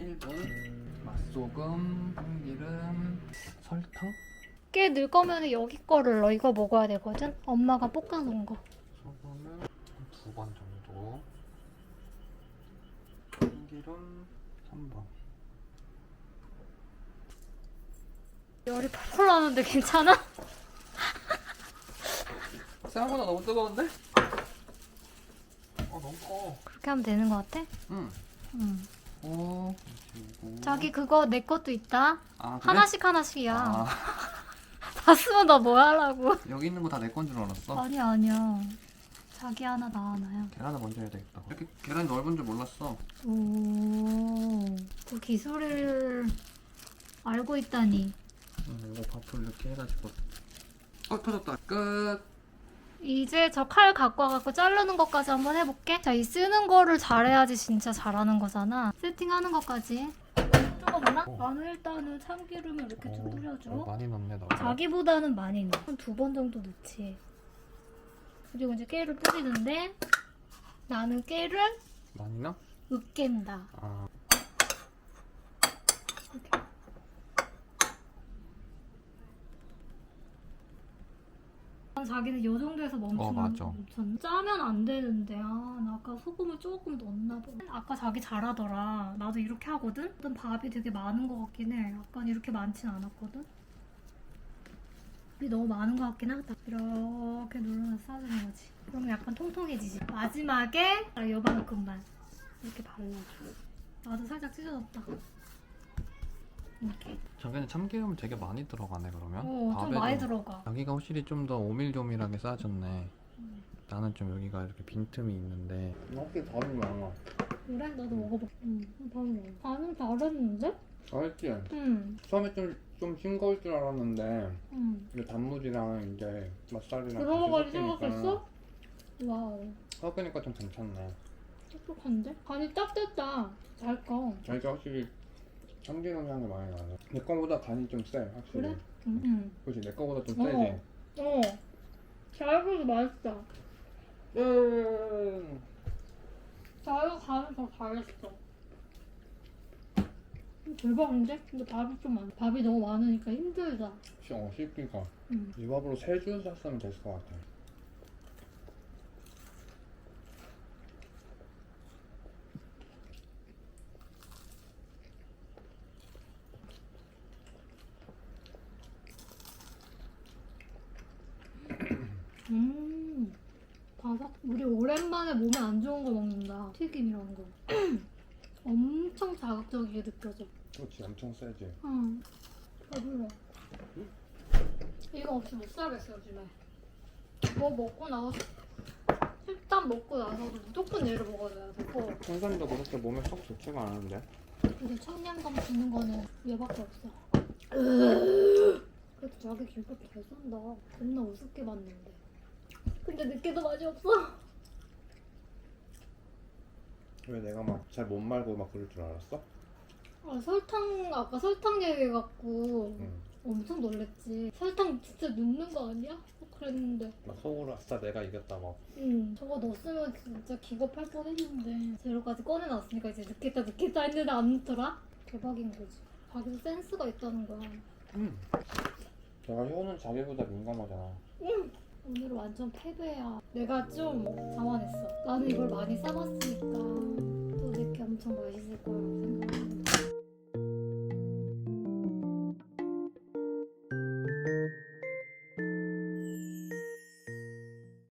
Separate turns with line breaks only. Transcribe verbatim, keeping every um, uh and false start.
일 분. 맛소금, 참기름, 설탕?
깨 넣을 거면 여기 거를 넣어. 이거 먹어야 되거든? 엄마가 볶아놓은 거.
소금을 두 번 정도. 참기름 삼 번.
열이 펄펄 나는데 괜찮아?
생각보다 너무 뜨거운데? 어 너무 커.
그렇게 하면 되는 거 같아?
응.
응.
오. 그리고...
자기 그거 내 것도 있다.
아, 그래?
하나씩 하나씩이야.
아,
다 쓰면 나 뭐 하라고?
여기 있는 거 다 내 건 줄 알았어.
아니야 아니야. 자기 하나 나 하나야.
계란을 먼저 해야 되겠다. 이렇게 계란이 넓은 줄 몰랐어.
오, 그 기술을 알고 있다니.
음, 이거 밥을 이렇게 해가지고. 어 터졌다. 끝.
이제 저 칼 갖고 와갖고 자르는 것까지 한번 해볼게. 자, 이 쓰는 거를 잘해야지 진짜 잘하는 거잖아. 세팅하는 것까지. 뜨거구나?
어.
나는 일단은 참기름을 이렇게 좀
어,
뿌려줘.
어, 많이 넣네 너.
자기보다는 많이 넣어. 한 두 번 정도 넣지. 그리고 이제 깨를 뿌리는데 나는 깨를
많이 넣어?
으깬다.
아.
이렇게. 자기는 요 정도에서 멈추는
어, 맞아.
멈췄 짜면 안 되는데 아, 나 아까 소금을 조금 넣었나 봐. 아까 자기 잘하더라. 나도 이렇게 하거든? 어떤 밥이 되게 많은 것 같긴 해. 약간 이렇게 많진 않았거든? 밥이 너무 많은 것 같긴 하다. 이렇게 눌러서 싸주는 거지. 그러면 약간 통통해지지. 마지막에 요만큼만 이렇게 발라줘. 나도 살짝 찢어졌다. 이렇게.
자기는 참기름 되게 많이 들어가네 그러면.
어, 좀
밥에도.
많이 들어가.
자기가 확실히 좀 더 오밀조밀하게 싸줬네.
음.
나는 좀 여기가 이렇게 빈틈이 있는데. 확실히 밥이 많아.
그래? 나도 먹어볼게. 응, 반은 먹어. 반은 잘했는데?
맛있지?
응.
처음에 좀, 좀 싱거울 줄 알았는데
응.
이제 단무지랑 이제 맛살이랑
그런 거까지
같이 섞이니까
생각했어? 와우.
섞으니까 좀 괜찮네.
똑똑한데? 간이 딱 됐다. 잘 꺼.
자기가 확실히 참기름 향이 많이 나네. 내 거보다 간이 좀 세, 확실히.
그래? 응. 응.
그치, 내 거보다 좀
어.
세지?
어. 잘 끓여도 맛있다.
음.
자기가 간을 더 잘했어. 대박인데? 근데 밥이 좀 많아. 밥이 너무 많으니까 힘들다.
어, 씹기가.
응.
이 밥으로 세 줄 샀으면 됐을 것 같아.
음. 바삭. 우리 오랜만에 몸에 안 좋은 거 먹는다. 튀김 이런 거. 엄청 자극적이게 느껴져.
그렇지, 엄청 세지.
응. 배불러. 이거 없이 못 살겠어, 요즘에. 뭐 먹고 나서, 일단 먹고 나서도 무조건 얘를 먹어야 되고.
생선도 그렇게 몸에 썩 좋지가 않은데.
근데 청량감 주는 거는 얘밖에 없어. 그래도 자기 김밥 잘 쏜다. 겁나 우습게 봤는데. 근데 늦게도 맛이 없어.
왜 내가 막 잘 못 말고 막 그럴 줄 알았어?
아, 설탕, 아까 설탕 얘기해갖고
응.
엄청 놀랬지. 설탕 진짜 넣는 거 아니야? 그랬는데.
막 속으로 아싸 내가 이겼다 막.
응, 저거 넣었으면 진짜 기겁할 뻔했는데 재료까지 꺼내놨으니까 이제 넣겠다 넣겠다 했는데 안 넣더라? 대박인 거지. 자기도 센스가 있다는 거야.
응. 내가 혀는 자기보다 민감하잖아.
응! 오늘은 완전 패배야. 내가 좀 자만했어. 나는 이걸 많이 싸봤으니까 또 내게 엄청 맛있을 거라고 생각했는데